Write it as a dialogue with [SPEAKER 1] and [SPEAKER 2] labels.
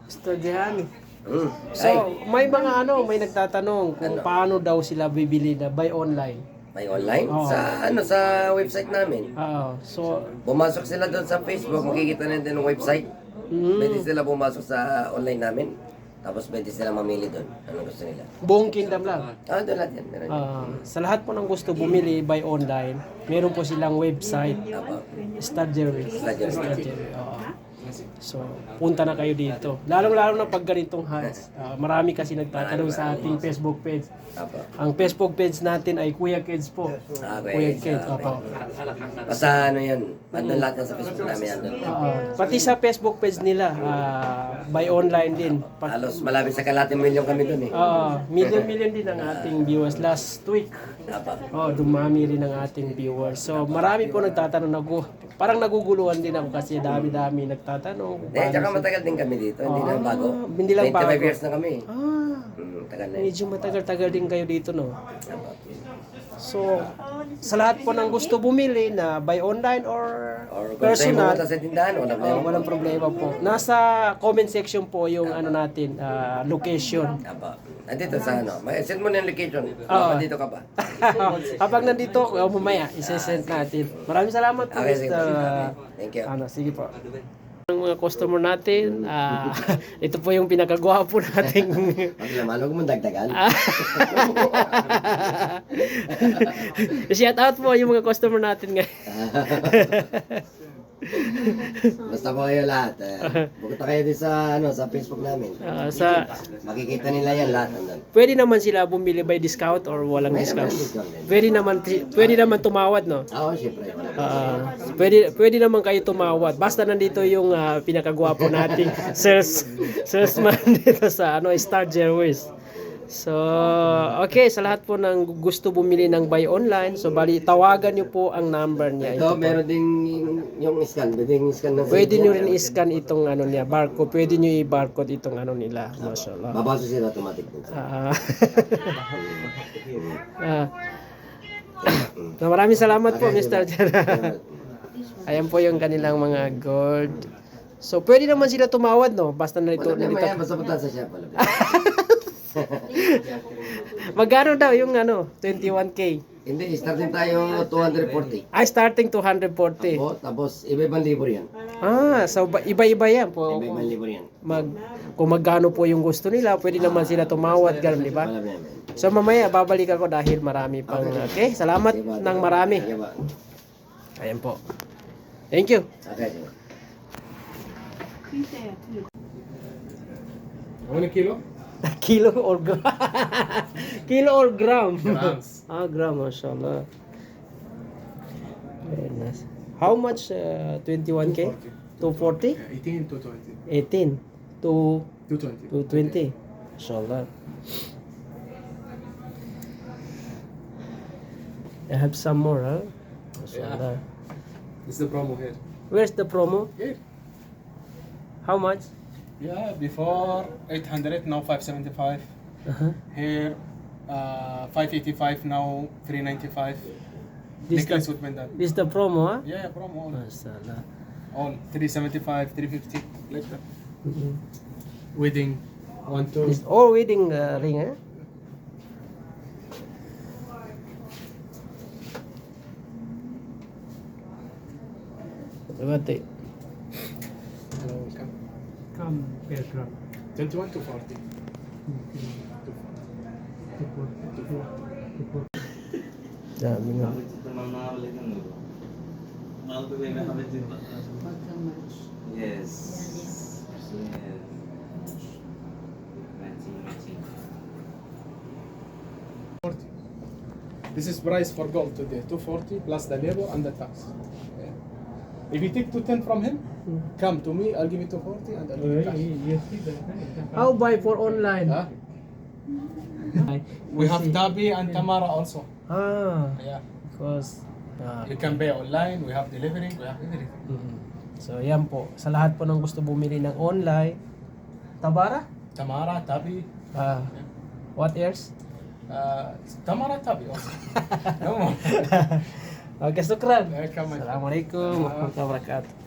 [SPEAKER 1] Studyhan.
[SPEAKER 2] Mm.
[SPEAKER 1] So, may mga may nagtatanong kung paano daw sila bibili na buy online.
[SPEAKER 2] May online?
[SPEAKER 1] Oo.
[SPEAKER 2] Sa website namin.
[SPEAKER 1] Oo. So,
[SPEAKER 2] Pumasok sila doon sa Facebook, makikita nila din ang website. Pwede sila pumasok sa online namin. Tapos pwede sila mamili doon. Anong gusto nila?
[SPEAKER 1] buong kingdom lang.
[SPEAKER 2] Doon lahat yan. Meron yan.
[SPEAKER 1] Sa lahat po ng gusto bumili buy online, meron po silang website,
[SPEAKER 2] Apo.
[SPEAKER 1] Studgery.
[SPEAKER 2] Studgery.
[SPEAKER 1] Oo. So, punta na kayo dito. Lalong-lalo na pag ganitong hands. Marami kasi nagtatanong sa ating Facebook page.
[SPEAKER 2] Apo.
[SPEAKER 1] Ang Facebook page natin ay Kuya Kids po. Kuya Kids, opo.
[SPEAKER 2] Basta yan. Andun lahat yan sa Facebook namin. Andun.
[SPEAKER 1] Pati sa Facebook page nila, buy online din.
[SPEAKER 2] Halos malapit sa kalating milyon kami doon eh.
[SPEAKER 1] Million din ang ating viewers. Last week,
[SPEAKER 2] Apo.
[SPEAKER 1] dumami rin ang ating viewers. So, marami po nagtatanong. Parang naguguluhan din ako kasi dami-dami nagtatanong.
[SPEAKER 2] Tsaka matagal din kami dito. Hindi lang bago.
[SPEAKER 1] Hindi lang bago.
[SPEAKER 2] 25 years na kami. Tagal na yun.
[SPEAKER 1] Medyo matagal-tagal din kayo dito, no?
[SPEAKER 2] Apo.
[SPEAKER 1] So, sa lahat po ng gusto bumili na buy online or
[SPEAKER 2] Or kung tayo
[SPEAKER 1] personal,
[SPEAKER 2] pumunta sa tindahan,
[SPEAKER 1] walang problema po. Nasa comment section po yung natin, location.
[SPEAKER 2] Apo. Nandito sa send mo na yung location. Dito ka pa.
[SPEAKER 1] Kapag nandito, mamaya, isesend natin. Maraming salamat po,
[SPEAKER 2] Okay, sige.
[SPEAKER 1] Mr.
[SPEAKER 2] Thank you.
[SPEAKER 1] Sige po. Ang mga customer natin, ito po yung pinakagwapo nating
[SPEAKER 2] Pag naman, huwag mong dagdagan.
[SPEAKER 1] shout out po yung mga customer natin ngayon.
[SPEAKER 2] Basta po kayo lahat. Pupunta kayo din sa Facebook namin. Makikita nila yan lahat.
[SPEAKER 1] Pwede naman sila bumili by discount or walang discount. Pwede naman tumawad, no?
[SPEAKER 2] Oo, syempre.
[SPEAKER 1] Pwede naman kayo tumawad. Basta nandito yung pinakagwapo nating salesman dito sa Star Airways. So, okay, sa lahat po ng gusto bumili ng buy online, so bali tawagan niyo po ang number niya.
[SPEAKER 2] Ito, meron ding yung scan.
[SPEAKER 1] Pwede niyo rin i-scan itong niya, barcode. Pwede niyo i-barcode itong nila. Mashallah.
[SPEAKER 2] Babasa sila automatic.
[SPEAKER 1] Maraming salamat po, Mr. Ayan po yung kanilang mga gold. So, pwede naman sila tumawad, no? Basta nalito.
[SPEAKER 2] Basta punta sa shop.
[SPEAKER 1] Magkano daw yung 21K?
[SPEAKER 2] Hindi, starting tayo 240.
[SPEAKER 1] Starting 240.
[SPEAKER 2] Tapos iba-ibang libo yan.
[SPEAKER 1] So iba-iba yan po.
[SPEAKER 2] Iba-ibang libo yan.
[SPEAKER 1] Kung magkano po yung gusto nila, pwede naman sila tumawad, ganun, di ba? So mamaya babalik ako dahil marami pang okay. Salamat ng marami. Ayan po. Thank you.
[SPEAKER 2] Okay.
[SPEAKER 3] 1 kilo?
[SPEAKER 1] Kilo or gram? Kilo or gram?
[SPEAKER 3] Grams.
[SPEAKER 1] Gram, mashallah. Very nice. How much 21K? 240?
[SPEAKER 3] 18 to 20.
[SPEAKER 1] 18 to
[SPEAKER 3] 220.
[SPEAKER 1] 220. Mashallah. I have some more, huh? Mashallah.
[SPEAKER 3] This is the promo here.
[SPEAKER 1] Where's the promo?
[SPEAKER 3] Here.
[SPEAKER 1] How much?
[SPEAKER 3] Yeah, before 800, now 575. Here, 585, now 395.
[SPEAKER 1] This
[SPEAKER 3] Necklace
[SPEAKER 1] the,
[SPEAKER 3] with pendant.
[SPEAKER 1] this the promo, huh?
[SPEAKER 3] Yeah, promo.
[SPEAKER 1] Mashallah.
[SPEAKER 3] All 375, 350, like that. Wedding, 1, 2.
[SPEAKER 1] This all wedding ring, huh? What? Come, aircraft.
[SPEAKER 3] 21 to 40.
[SPEAKER 1] Dami nga.
[SPEAKER 4] Yes.
[SPEAKER 3] This is price for gold today, 240 plus the labor and the tax. Yeah. If you take 210 from him, come to me, I'll give you 240 and I'll give you cash.
[SPEAKER 1] How buy for online?
[SPEAKER 3] Huh? We have Tabi and Tamara also. Yeah.
[SPEAKER 1] Because
[SPEAKER 3] You can pay online, we have delivery, we have everything.
[SPEAKER 1] So yan po, sa lahat po ng gusto bumili ng online, Tabara?
[SPEAKER 3] Tamara, Tabi,
[SPEAKER 1] What else?
[SPEAKER 3] Tamara, Tabi also. No more.
[SPEAKER 1] Okay, sukran.
[SPEAKER 3] Welcome, my friend.
[SPEAKER 1] Assalamualaikum warahmatullahi wabarakatuh.